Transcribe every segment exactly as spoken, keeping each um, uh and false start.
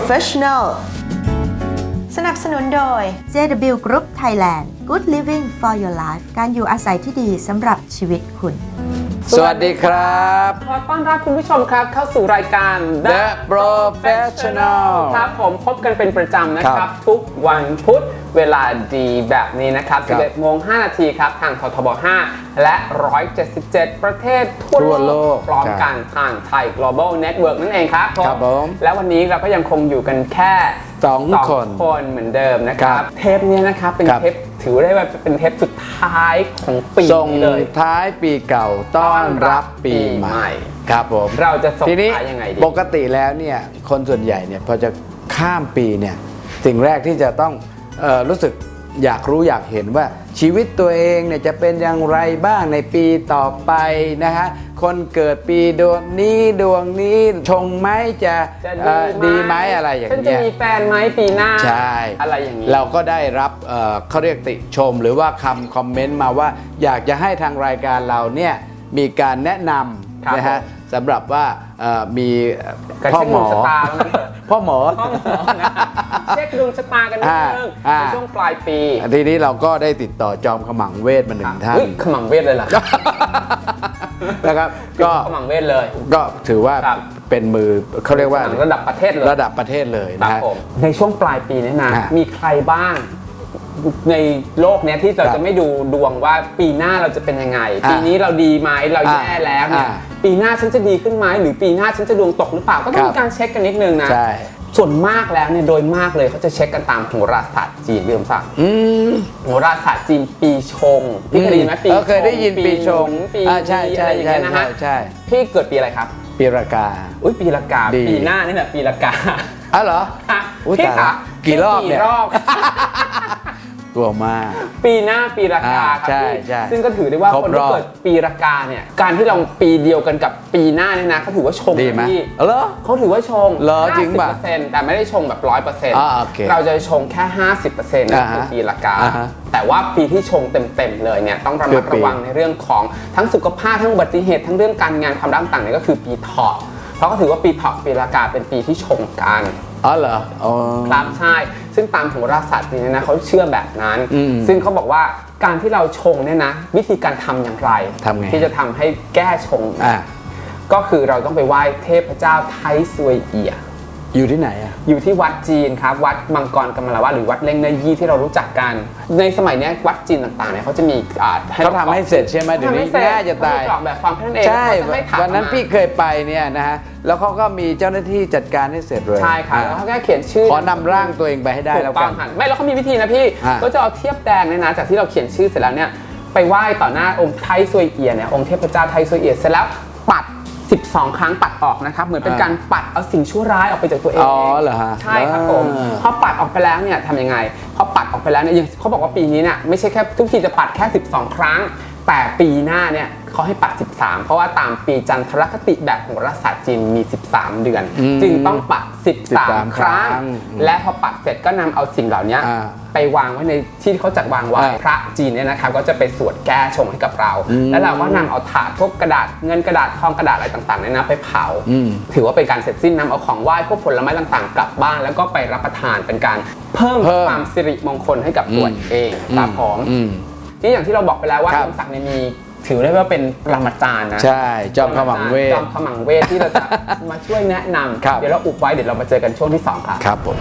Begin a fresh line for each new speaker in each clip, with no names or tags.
Professional สนับสนุนโดย
เจ ดับเบิลยู Group Thailand Good Living for Your Life การอยู่อาศัยที่ดีสำหรับชีวิตคุณ
สวัสดีครับ
ขอต้อนรับคุณผู้ชมครับเข้าสู่รายการ
The Professional
ครับผมพบกันเป็นประจำนะครับทุกวันพุธเวลาดีแบบนี้นะครับ สิบเอ็ดโมงห้านาทีครับทางททบห้าและหนึ่งร้อยเจ็ดสิบเจ็ดประเทศทั่วโลกพร้อมกันทางไทย Global Network นั่นเองครับ
ครับผม
และวันนี้เราก็ยังคงอยู่กันแค่
สองคน
คนเหมือนเดิมนะครับเทปนี้นะครับเป็นเทปถือได้ว่าเป็นเทปสุดท้ายของปีนี้เลย
ส่งท้ายปีเก่าต้อนรับปีใหม่ครับผม
เราจะส่งท้ายยังไงดี
ปกติแล้วเนี่ยคนส่วนใหญ่เนี่ยพอจะข้ามปีเนี่ยสิ่งแรกที่จะต้องเอ่อรู้สึกอยากรู้อยากเห็นว่าชีวิตตัวเองเนี่ยจะเป็นอย่างไรบ้างในปีต่อไปนะฮะคนเกิดปีดวงนี้ดวงนี้ชงไหมจะดีไหมอะไรอย่างเงี้ย
ฉันจะมีแฟนไหมปีหน้า
ใช่
อะไรอย่างนี้
เราก็ได้รับเอ่อเขาเรียกติชมหรือว่าคำคอมเมนต์มาว่าอยากจะให้ทางรายการเราเนี่ยมีการแนะนำนะฮะสำหรับว่ามีพ่อหมอพ่อหมอ
เช็คดวงชะตากันนิดนึงในช่วงปลายปี
ทีนี้เราก็ได้ติดต่อจอมขมังเวทมาหนึ่งท่าน
ขมังเวทเลยเหรอ
นะครับก็
ขมังเวทเลย
ก็ถือว่าเป็นมือเขาเรียกว่า
ระดับประเทศเลย
ระดับประเทศเลยนะฮะ
ในช่วงปลายปีนี้นะมีใครบ้างในโลกนี้ที่เราจะไม่ดูดวงว่าปีหน้าเราจะเป็นยังไงปีนี้เราดีไหมเราแย่แล้วเนี่ยปีหน้าฉันจะดีขึ้นไหมหรือปีหน้าฉันจะดวงตกหรือเปล่าก็ต้องมีการเช็คกันนิดนึงนะส่วนมากแล้วเนี่ยโดยมากเลยเขาจะเช็คกันตามโหราศาสตร์จีนพี่สมศักดิ์โหราศาสตร์จีนปีชงพี่เคยได้ยินไหมปีชง
เคยได้ยินปีชง
ปีใช่ใช่ใช่นะฮะพี่เกิดปีอะไรครับ
ปีรากา
อุ้ยปีรากาปีหน้านี่แหละปีรากา
อ๋อเหรอ
พี่คะ
กี่รอบเนี่ยกลัวมาก
ปีหน้าปีรากาครับพี่ซึ่งก็ถือได้ว่าคนที่เกิดปีรากาเนี่ยการที่เราปีเดียวกันกับปีหน้าเนี่ยนะเขาถือว่าชง
ดีไหมเหรอ
เขาถือว่าชง
จริงป่ะ
แต่ไม่ได้ชงแบบร้อยเปอร์เซ็นต์เราจะชงแค่ห้าสิบเปอร์เซ็นต์ในปีรากาแต่ว่าปีที่ชงเต็มๆเลยเนี่ยต้องระมัดระวังในเรื่องของทั้งสุขภาพทั้งอุบัติเหตุทั้งเรื่องการงานความรักต่างๆเนี่ยก็คือปีเถาะเพราะเขาถือว่าปีเถาะปีรากาเป็นปีที่ชงกัน
อ๋อเหรอ
ครับใช่ซึ่งตามโหราศาสตร์เนี่ยนะเขาเชื่อแบบนั้นซึ่งเขาบอกว่าการที่เราชงเนี่ยนะวิธีการทำอย่างไรที่จะทำให้แก้ชงก็คือเราต้องไปไหว้เทพเจ้าไทซวยเอี่ย
อยู่ที่ไหนอ่ะ
อยู่ที่วัดจีนครับวัดมังกรกำมลวะหรือวัดเล่งเนยี่ที่เรารู้จักกันในสมัยนี้วัดจีนต่างๆเนี่ยเขาจะมี
เขาทำให้เสร็จใช่ไหมเดี๋ยวนี้ง่ายจะตาย
แบบฟังท่านเอง
ใช่วันนั้นพี่เคยไปเนี่ยนะฮะแล้วเขาก็มีเจ้าหน้าที่จัดการให้เสร็จเลย
ใช่ครับแล้วเขาแค่เขียนชื่อ
ขอนำร่างตัวเองไปให้ได้แล้วกัน
ไม่แล้วเขามีวิธีนะพี่ก็จะเอาเทียบแดงเนี่ยนะจากที่เราเขียนชื่อเสร็จแล้วเนี่ยไปไหว้ต่อหน้าองค์ไทซวยเอี่ยเนี่ยองค์เทพเจ้าไทซวยเอี่ยเสร็จแล้วปัดสิบสองครั้งปัดออกนะครับเหมือนเป็นการปัดเอาสิ่งชั่วร้ายออกไปจากตัวเอง
อ๋อเหรอฮะ
ใช่ครับผมพอปัดออกไปแล้วเนี่ยทำยังไงพอปัดออกไปแล้วเนี่ยเขาบอกว่าปีนี้เนี่ยไม่ใช่แค่ทุกทีจะปัดแค่สิบสองครั้งแต่ปีหน้าเนี่ยเขาให้ปัดสิบสามเพราะว่าตามปีจันทรคติแบบโหราศาสตร์จีนมีสิบสามเดือนจึงต้องปัดสิบสามครั้งและพอปัดเสร็จก็นำเอาสิ่งเหล่านี้ไปวางไว้ในที่เขาจัดวางไว้พระจีนเนี่ยนะครับก็จะไปสวดแก้ชงให้กับเราแล้วเราก็นำเอาถาดพวกกระดาษเงินกระดาษทองกระดาษอะไรต่างๆเนี่ยนะไปเผาถือว่าเป็นการเสร็จสิ้นนำเอาของไหว้พวกผลไม้ต่างๆกลับบ้านแล้วก็ไปรับประทานเป็นการเพิ่มความสิริมงคลให้กับตัวเองครับผมที่อย่างที่เราบอกไปแล้วว่าสมศักดิ์เนี่ยมีถือได้ว่าเป็นปรมาจารย์นะ
ใช่จอมขมังเวท
จอมขมังเวทที่เราจะมาช่วยแนะนำเดี๋ยวเราอุบไว้เดี๋ยวเรามาเจอกันช่วงที่สองครับ
ครับผม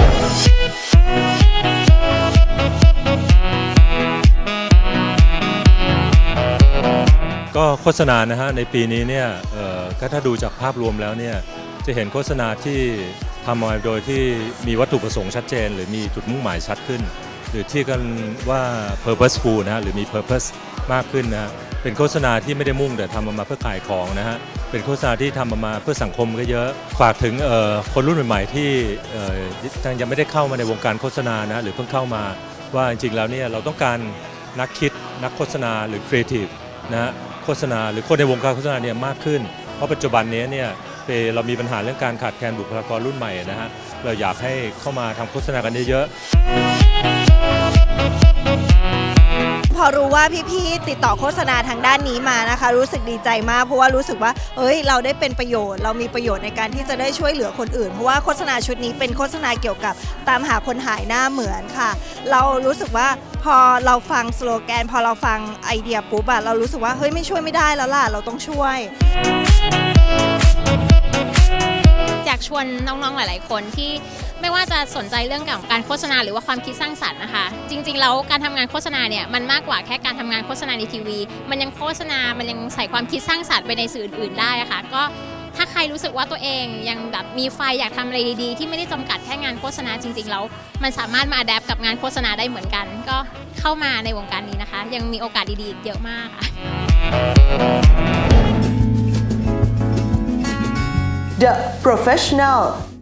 ก็โฆษณานะฮะในปีนี้เนี่ยก็ถ้าดูจากภาพรวมแล้วเนี่ยจะเห็นโฆษณาที่ทำมาโดยที่มีวัตถุประสงค์ชัดเจนหรือมีจุดมุ่งหมายชัดขึ้นหรือที่กันว่า purposeful นะฮะหรือมี purpose มากขึ้นนะฮะเป็นโฆษณาที่ไม่ได้มุ่งแต่ทำมาเพื่อขายของนะฮะเป็นโฆษณาที่ทำมาเพื่อสังคมก็เยอะฝากถึงคนรุ่นใหม่ๆที่ยังไม่ได้เข้ามาในวงการโฆษณานะหรือเพิ่งเข้ามาว่าจริงๆแล้วเนี่ยเราต้องการนักคิดนักโฆษณาหรือครีเอทีฟนะฮะโฆษณาหรือคนในวงการโฆษณาเนี่ยมากขึ้นเพราะปัจจุบันนี้เนี่ยเรามีปัญหาเรื่องการขาดแคลนบุคลากรรุ่นใหม่นะฮะเราอยากให้เข้ามาทำโฆษณากันเยอะๆ
พอ
อรู้ว่าพี่ๆติดต่อโฆษณาทางด้านนี้มานะคะ รู้สึกดีใจมากเพราะว่ารู้สึกว่าเอ้ยเราได้เป็นประโยชน์เรามีประโยชน์ในการที่จะได้ช่วยเหลือคนอื่นเพราะว่าโฆษณาชุดนี้เป็นโฆษณาเกี่ยวกับตามหาคนหายหน้าเหมือนค่ะ เรารู้สึกว่าพอเราฟังสโลแกนพอเราฟังไอเดียปุ๊บอะเรารู้สึกว่าเฮ้ยไม่ช่วยไม่ได้แล้วล่ะเราต้องช่วย
อยากชวนน้องๆหลายๆคนที่ไม่ว่าจะสนใจเรื่องของการโฆษณาหรือว่าความคิดสร้างสรรค์นะคะจริงๆแล้วการทำงานโฆษณาเนี่ยมันมากกว่าแค่การทำงานโฆษณาในทีวีมันยังโฆษณามันยังใส่ความคิดสร้างสรรค์ไปในสื่ออื่นๆได้ค่ะก็ถ้าใครรู้สึกว่าตัวเองยังแบบมีไฟอยากทำอะไรดีๆที่ไม่ได้จำกัดแค่งานโฆษณาจริงๆแล้วมันสามารถมาอัดแอปกับงานโฆษณาได้เหมือนกันก็เข้ามาในวงการนี้นะคะยังมีโอกาสดีๆอีกเยอะมากค่ะ
The Professional